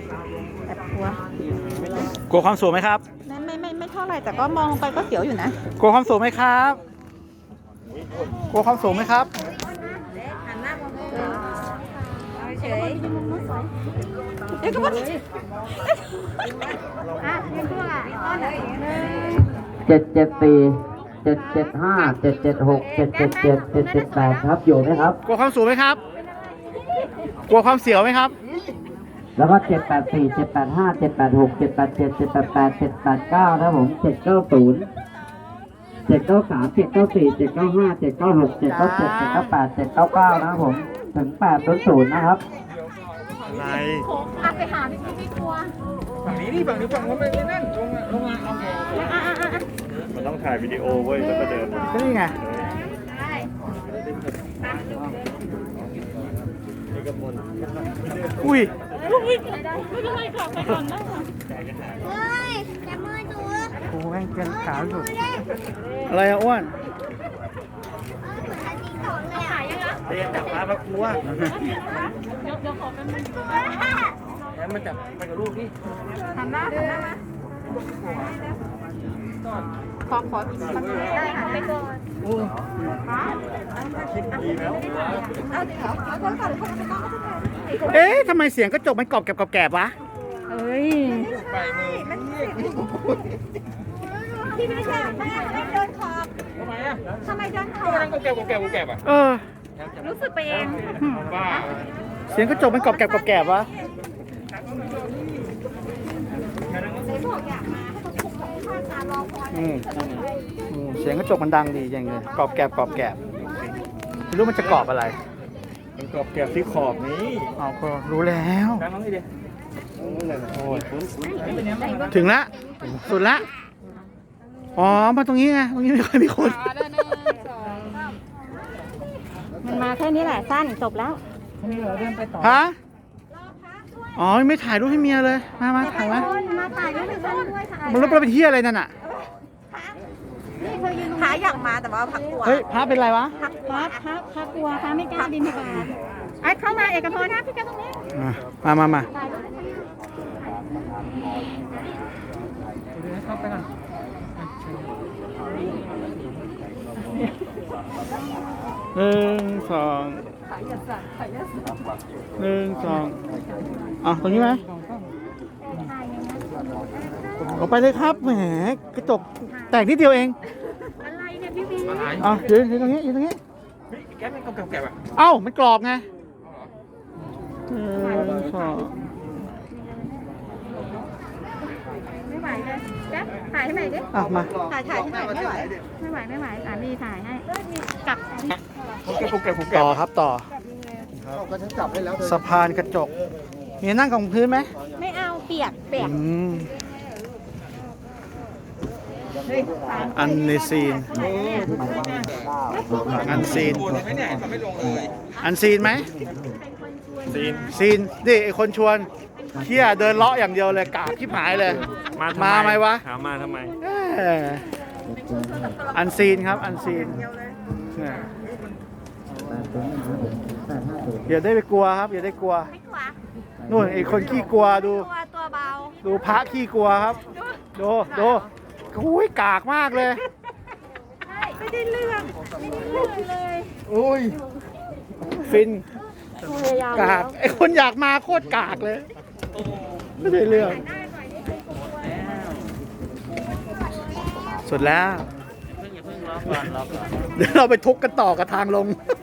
แอบกลัวกลัวความสูงไหมครับไม่เท่าไหร่แต่ก็มองลงไปก็เสียวอยู่นะกลัวความสูงไหมครับ กลัวความสูงไหมครับเฉยเดี๋ยวก็มายังตัวอ่ะต้นเลย 774 775 776 777 778ครับอยู่ไหมครับกลัวความสูงไหมครับ กลัวความเสียวไหมครับแล้วก็784 785 786 787 788 789นะครับผม790 793 794 795 796 797 798 799นะครับผมถึง800นะครับอะไรไปหาพี่กลัวฝั่งนี้นี่ฝั่งนี้ฝั่งนู้นไม่นั่นลงมาเอาแกมันต้องถ่ายวิดีโอเว้ยแล้วก็เดินก็นี่ไง อุ้ยไม่เป็นไรค่ะไปก่อนได้ค่ะเฮ้ยจับมือตัวโอ้แม่งเกินขาสุดอะไรอะอ้วนเรียนจับปลามากลัวเดี๋ยวขอเป็นแล้วมันจับไปกับลูกนี่หันหน้ามาขออีกสักได้ค่ะไปก่อนคิดดีแล้วเอาจริงเหรอเอาคนก่อนคนไม่ต้องเอ๊ะทำไมเสียงกระจกมันกรอบแกรบวะเอ้ยไปมือพี่ไม่ใช่ไม่เดินขอบทำไมอ่ะทำไมเดินขอก็บนั่งก็แกบอ่ะเออรู้สึกไปเองบ้าเสียงกระจกมันกรอบแกรบวะไหนบอกอยากมาให้เขาคุกเขาข้างตารอคอยเสียงกระจกมันดังดีอย่างเงี้ยกรอบแกรบไม่รู้มันจะกรอบอะไรมันกรอบแกบที่ขอบนี้เอาก็รู้แล้วนั่งน้องนี่ดิโอ้ยถึงละสุดละ อ๋อ มาตรงนี้ไง ตรงนี้ไม่ค่อยมีคนมันมาแค่นี้แหละสั้นจบแล้วฮะ อ๋อ ไม่ถ่ายรูปให้เมียเลย มาถ่ายมามาถ่ายด้วยด้วยถ่ายมันรูปเราไปเที่ยวอะไรนั่นอ่ะพระอยากมาแต่ว่าพักกลัวเฮ้ยพระเป็นไรวะพักกลัวพระไม่กล้าบินทบาทไอ้เข้ามาเอกพลนะพี่แกตรงนี้มาเข้าไปก่อนหนึ่งสองหนึ่งสองอ่ะตรงนี้ไหมออกไปเลยครับ แหม กระจกแตกนิดเดียวเองอะไรเนี่ยพี่บีอะไรอ่ะยืนตรงนี้แกไม่กรอบแกบอ่ะเอ้า มันกรอบไงหนึ่งสองไม่ไหวเลยแจ๊บถ่ายให้ใหม่ดิอ่ะมาถ่ายให้ใหม่ไม่ไหวสามีถ่ายให้กลับต่อครับต่อสะพานกระจก มีนั่งกับพื้นไหมไม่เอาเปียกอันในซีน อันซีนไม่เนี่ยทำไม่ลงเลยอันซีนไหม ซีนดิไอคนชวนเที่ยเดินเลาะอย่างเดียวเลยกากที่หายเลย มาไหมวะถามมาทำไมอันซีนครับ อันซีนเนี่ยอย่าได้ไปกลัวครับ อย่าได้กลัวไม่กลัวนู่นไอคนขี้กลัวดูตัวเบาดูพระขี้กลัวครับ ดูอุ้ยกากมากเลยไม่ได้เรื่องเลยอุ้ย ฟินพยายามกาก ไอคนอยากมาโคตรกากเลย ไม่ได้เรื่อง สุดแล้ว เดี๋ยวเราไปทุกกันต่อกับทางลง